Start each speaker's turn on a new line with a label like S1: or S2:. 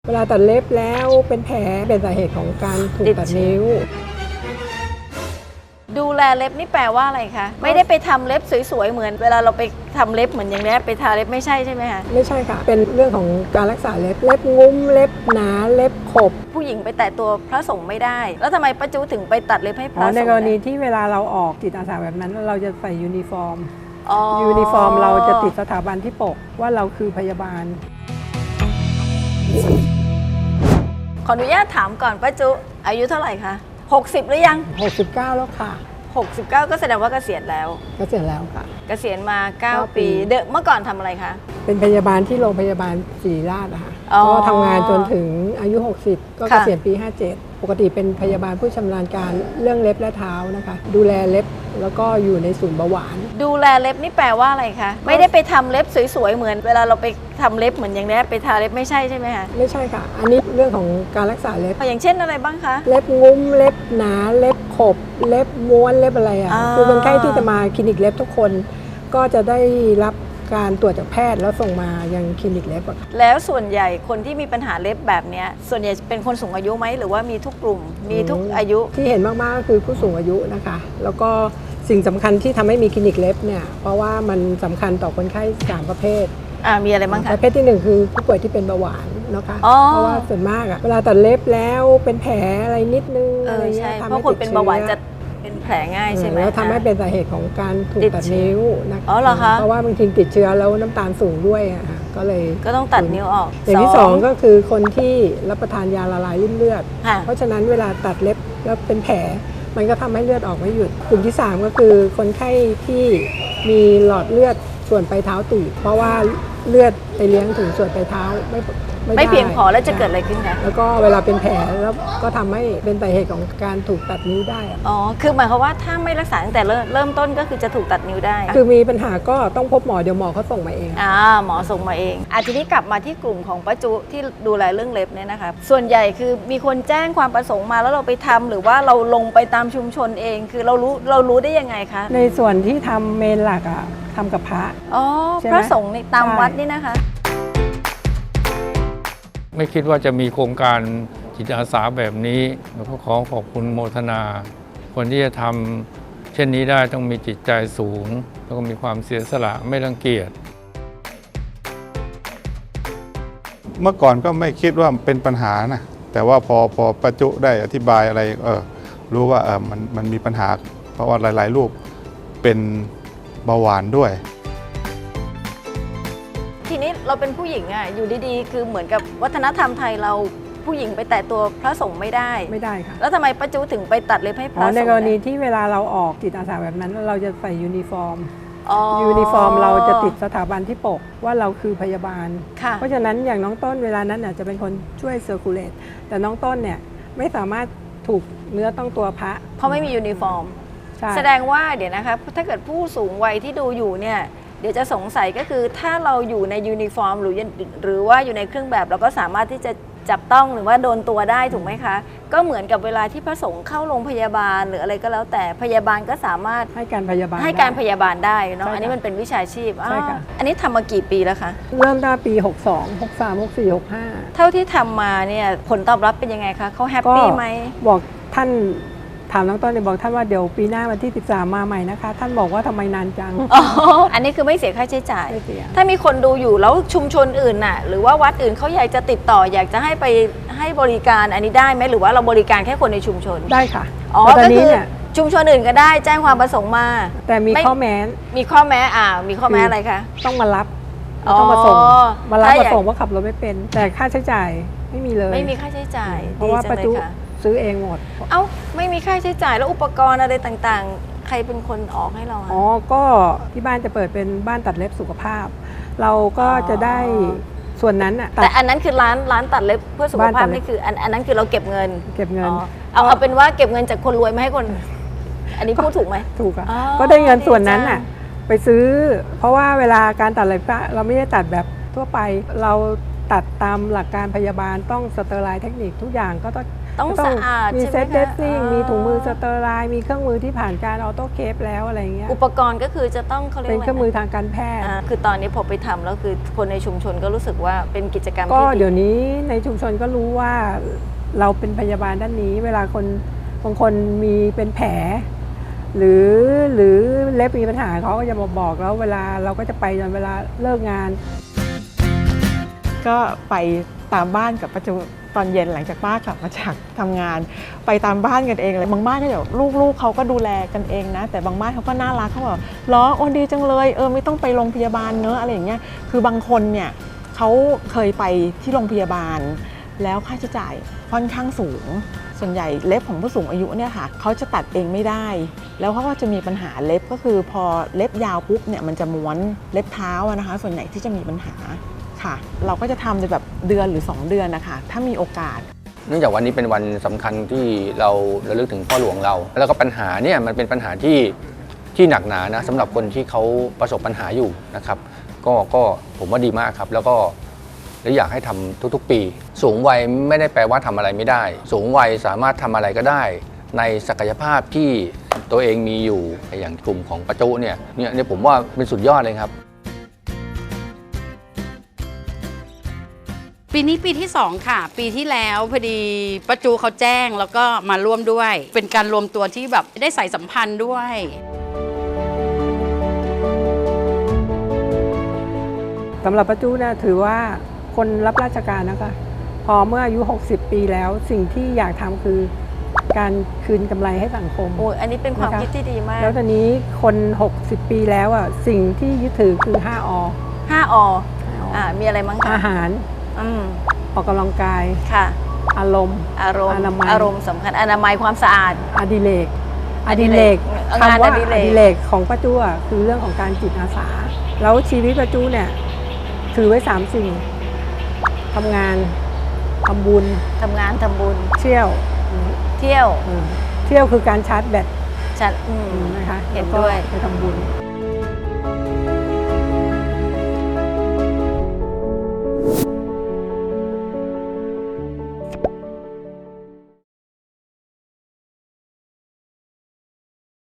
S1: เวลาตัดเล็บแล้วเป็นแผลเป็นสาเหตุของการถูกตัดนิ้ว
S2: ดูแลเล็บนี่แปลว่าอะไรคะไม่ได้ไปทำเล็บสวยๆเหมือนเวลาเราไปทำเล็บเหมือนอย่างนี้ไปทาเล็บไม่ใช่ใช่ไหมคะ
S1: ไม่ใช่ค่ะเป็นเรื่องของการรักษาเล็บงุ้มเล็บหนาเล็บขบ
S2: ผู้หญิงไปแตะตัวพระสงฆ์ไม่ได้แล้วทำไมป้าจูถึงไปตัดเล็บให้พระสงฆ์
S1: ในกรณีที่เวลาเราออกจิตอาสาแบบนั้นเราจะใส่ยูนิฟอร์มเราจะติดสถาบันที่ปกว่าเราคือพยาบาล
S2: ขออนุญาตถามก่อนป้าจูอายุเท่าไหร่คะ60หรือยัง
S1: 69แล้วค่ะ
S2: 69ก็แสดงว่าเกษียณแล้ว
S1: ค่ะ
S2: เกษียณมา9ปีเมื่อก่อนทำอะไรคะ
S1: เป็นพยาบาลที่โรงพยาบาลศรีราชนะคะก็ทำงานจนถึงอายุ60ก็เกษียณปี57ปกติเป็นพยาบาลผู้ชำนาญการเรื่องเล็บและเท้านะคะดูแลเล็บแล้วก็อยู่ในศูนย์เบาหวาน
S2: ดูแลเล็บนี่แปลว่าอะไรคะไม่ได้ไปทำเล็บสวยๆเหมือนเวลาเราไปทำเล็บเหมือนอย่างนี้ไปทาเล็บไม่ใช่ใช่ไหมคะ
S1: ไม่ใช่ค่ะอันนี้เรื่องของการรักษาเล็บ
S2: อย่างเช่นอะไรบ้างคะ
S1: เล็บงุ้มเล็บหนาเล็บขบเล็บม้วนเล็บอะไรคือคนไข้ที่จะมาคลินิกเล็บทุกคนก็จะได้รับการตรวจจากแพทย์แล้วส่งมายังคลินิกเล็บ
S2: แล้วส่วนใหญ่คนที่มีปัญหาเล็บแบบนี้ส่วนใหญ่เป็นคนสูงอายุไหมหรือว่ามีทุกกลุ่มมีทุกอายุ
S1: ที่เห็นมากๆก็คือผู้สูงอายุนะคะแล้วก็สิ่งสำคัญที่ทำให้มีคลินิกเล็บเนี่ยเพราะว่ามันสำคัญต่อคนไข้3ประเภท
S2: มีอะไรบ้างคะ
S1: ประเภทที่1คือผู้ป่วยที่เป็นเบาหวานนะคะเพราะว่าส่วนมากเวลาตัดเล็บแล้วเป็นแผลอะไรนิดนึงอะไรเงี้ย
S2: เพราะคนเป็นเบาหวานจะเป็นแผลง่ายใช่ไหม
S1: แล้วทำให้เป็นสาเหตุของการถูกตัดนิ้วนะคะ
S2: เหรอคะ
S1: เพราะว่าบางทีติดเชื้อแล้วน้ำตาลสูงด้วยก็เลย
S2: ก็ต้องตัดนิ้วออก
S1: อย่างที่2ก็คือคนที่รับประทานยาละลายริ่มเลือดเพราะฉะนั้นเวลาตัดเล็บแล้วเป็นแผลมันก็ทำให้เลือดออกไม่หยุดกลุ่มที่3ก็คือคนไข้ที่มีหลอดเลือดส่วนปลายเท้าตีบเพราะว่าเลือดไปเลี้ยงถึงส่วนปลายเท้า
S2: ไม่เพียงพอแล้วจะเกิดอะไรขึ้นคะ
S1: แล้วก็เวลาเป็นแผลแล้วก็ทำให้เป็นสาเหตุของการถูกตัดนิ้วได้
S2: คือหมายความว่าถ้าไม่รักษาตั้งแต่เริ่มต้นก็คือจะถูกตัดนิ้วได้
S1: คือมีปัญหาก็ต้องพบหมอเดี๋ยวหมอเขาส่งมาเอง
S2: หมอส่งมาเองทีนี้กลับมาที่กลุ่มของป้าจุที่ดูแลเรื่องเล็บเนี่ยนะคะส่วนใหญ่คือมีคนแจ้งความประสงค์มาแล้วเราไปทำหรือว่าเราลงไปตามชุมชนเองคือเรารู้ได้ยังไงคะ
S1: ในส่วนที่ทำเมนหลักทำกับพระ
S2: พระสงฆ์ในตามวัดนี่นะคะ
S3: ไม่คิดว่าจะมีโครงการจิตอาสาแบบนี้แล้วก็ขอขอบคุณโมทนาคนที่จะทำเช่นนี้ได้ต้องมีจิตใจสูงแล้วก็มีความเสียสละไม่รังเกียจ
S4: เมื่อก่อนก็ไม่คิดว่าเป็นปัญหานะแต่ว่าพอป้าจุได้อธิบายอะไรรู้ว่ามันมีปัญหาเพราะว่าหลายๆรูปเป็นเบาหวานด้วย
S2: ทีนี้เราเป็นผู้หญิงอยู่ดีๆคือเหมือนกับวัฒนธรรมไทยเราผู้หญิงไปแตะตัวพระสงฆ์ไม่ได้
S1: ค่ะ
S2: แล้วทำไมป้าจูถึงไปตัดเล็บให้พระสงฆ์
S1: ในกรณีที่เวลาเราออกจิตอาสาแบบนั้นเราจะใส่ยูนิฟอร์มเราจะติดสถาบันที่ปกว่าเราคือพยาบาลเพราะฉะนั้นอย่างน้องต้นเวลานั้นจะเป็นคนช่วยเซอร์คูลเลตแต่น้องต้นเนี่ยไม่สามารถถูกเนื้อต้องตัวพระ
S2: เพราะไม่มียูนิฟอร์มแสดงว่าเดี๋ยวนะคะถ้าเกิดผู้สูงวัยที่ดูอยู่เนี่ยเดี๋ยวจะสงสัยก็คือถ้าเราอยู่ในยูนิฟอร์มหรือว่าอยู่ในเครื่องแบบเราก็สามารถที่จะจับต้องหรือว่าโดนตัวได้ถูกไหมคะก็เหมือนกับเวลาที่พระสงฆ์เข้าโรงพยาบาลหรืออะไรก็แล้วแต่พยาบาลก็สามารถ
S1: ให้การพยาบา
S2: ลได้เนาะอันนี้มันเป็นวิชาชีพ
S1: ใช่ค่ะ
S2: อันนี้ทำมากี่ปีแล้วคะ
S1: เริ่มตั้งปี62 63 64 65
S2: เท่าที่ทำมาเนี่ยผลตอบรับเป็นยังไงคะเขาแฮปปี้ไหม
S1: บอกท่านถามน้องต้นบอกท่านว่าเดี๋ยวปีหน้าวันที่13มาใหม่นะคะท่านบอกว่าทำไมนานจัง
S2: อันนี้คือไม่เสียค่าใช้จ่ายถ้ามีคนดูอยู่แล้วชุมชนอื่นน่ะหรือว่าวัดอื่นเขาอยากจะติดต่ออยากจะให้ไปให้บริการอันนี้ได้ไหมหรือว่าเราบริการแค่คนในชุมชน
S1: ได้ค่ะ
S2: ก็คือชุมชนอื่นก็ได้แจ้งความประสงค์มา
S1: แต่มีข้อแม้
S2: มีข้อแม้อะไรคะ
S1: ต้องมารับต้องมาส่งมาส่งว่าขับรถไม่เป็นแต่ค่าใช้จ่ายไม่มีเลย
S2: ไม่มีค่าใช้จ่าย
S1: เพราะว่าประจุซื้อเองหมด
S2: ไม่มีค่าใช้จ่ายแล้วอุปกรณ์อะไรต่างๆใครเป็นคนออกให้เรา
S1: ก็ที่บ้านจะเปิดเป็นบ้านตัดเล็บสุขภาพเราก็จะได้ส่วนนั้น
S2: แต่อันนั้นคือร้านตัดเล็บเพื่อสุขภาพนี่คืออันนั้นคือเราเก็บเงินเอาเป็นว่าเก็บเงินจากคนรวยมาให้คนอันนี้พูดถูกไหม
S1: ถูกค่ะก็ได้เงินส่วนนั้นไปซื้อเพราะว่าเวลาการตัดเล็บเราไม่ได้ตัดแบบทั่วไปเราตัดตามหลักการพยาบาลต้องสเตอร์ไลน์เทคนิคทุกอย่างก็ต้อง
S2: ต้อง
S1: ก็
S2: สะอาด
S1: มี
S2: ใช่ไหม
S1: เซต
S2: คะ
S1: เดสซิ่ง
S2: อ่ามี
S1: มีถุงมือสเตอร์ไลน์มีเครื่องมือที่ผ่านการออโต้เคปแล้วอะไรเงี้ย
S2: อุปกรณ์ก็คือจะต้องเขาเรียก
S1: เป็น
S2: ว่า
S1: เครื่องมือทางการแพทย์
S2: คือตอนนี้พอไปทำแล้วคือคนในชุมชนก็รู้สึกว่าเป็นกิจกรรม
S1: ก็
S2: ที่
S1: เดี๋ยวนี้ในชุมชนก็รู้ว่าเราเป็นพยาบาลด้านนี้ เวลาคนบางคนมีเป็นแผล หรือเล็บมีปัญหาเขาก็จะบอกแล้วเวลาเราก็จะไปจนเวลาเลิกงาน
S5: ก็ไปตามบ้านกับประจุตอนเย็นหลังจากป้ากลับมาจากทำงาน ไปตามบ้านกันเองเลยบางบ้านก็เดี๋ยวลูกเขาก็ดูแลกันเองนะแต่บางบ้านเขาก็น่ารักเขาบอกล้อโอ้ดีจังเลยไม่ต้องไปโรงพยาบาลเนอะอะไรอย่างเงี้ยคือบางคนเนี่ยเขาเคยไปที่โรงพยาบาลแล้วค่าใช้จ่ายค่อนข้างสูงส่วนใหญ่เล็บของผู้สูงอายุเนี่ยค่ะเขาจะตัดเองไม่ได้แล้วเขาก็จะมีปัญหาเล็บก็คือพอเล็บยาวปุ๊บเนี่ยมันจะม้วนเล็บเท้านะคะส่วนใหญ่ที่จะมีปัญหาค่ะเราก็จะทำในแบบเดือนหรือ2 เดือนนะคะถ้ามีโอกาส
S6: เนื่องจากวันนี้เป็นวันสำคัญที่เราระลึกถึงพ่อหลวงเรา แล้วก็ปัญหาเนี่ยมันเป็นปัญหาที่หนักหนานะสำหรับคนที่เขาประสบปัญหาอยู่นะครับก็ผมว่าดีมากครับแล้วก็อยากให้ทำทุกๆปี สูงวัยไม่ได้แปลว่าทำอะไรไม่ได้ สูงวัยสามารถทำอะไรก็ได้ ในศักยภาพที่ตัวเองมีอยู่อย่างกลุ่มของประจุเนี่ยผมว่าเป็นสุดยอดเลยครับ
S7: ปีนี้ปีที่2ค่ะปีที่แล้วพอดีป้าจูเขาแจ้งแล้วก็มาร่วมด้วย เป็นการรวมตัวที่แบบได้ใส่สัมพันธ์ด้วย
S1: สำหรับป้าจู้นะถือว่าคนรับราชการนะคะพอเมื่ออายุ 60 ปีแล้วสิ่งที่อยากทำคือการคืนกำไรให้สังคม
S2: โอ้ยอันนี้เป็นความ
S1: นะคะ
S2: คิดที่ดีมาก
S1: แล้วตอนนี้คน 60 ปีแล้วอ่ะสิ่งที่ยึดถือคือ 5 อ
S2: 5 อมีอะไรมั้งคะ
S1: อาหาร
S2: อืม
S1: ออกกำลังกาย
S2: ค่ะ
S1: อารมณ์
S2: อารมณ์
S1: อนามัย
S2: อารมณ์สำคัญอนามัยความสะอาด
S1: อดิเรก
S2: อดิเรกงาน
S1: คำว่า
S2: อดิเรก
S1: อดิเรกของป้าจู้อะคือเรื่องของการจิตอาสาแล้วชีวิตป้าจู้เนี่ยถือไว้ 3 สิ่งทำงานทำบุญ
S2: ทำงานทำบุญ
S1: เที่ยว
S2: เที่ยว
S1: เที่ยวคือการชาร์จแบต
S2: ฉัน
S1: นะคะ
S2: เห็น
S1: แล้วก็
S2: ด้วย
S1: ไปทำบุญ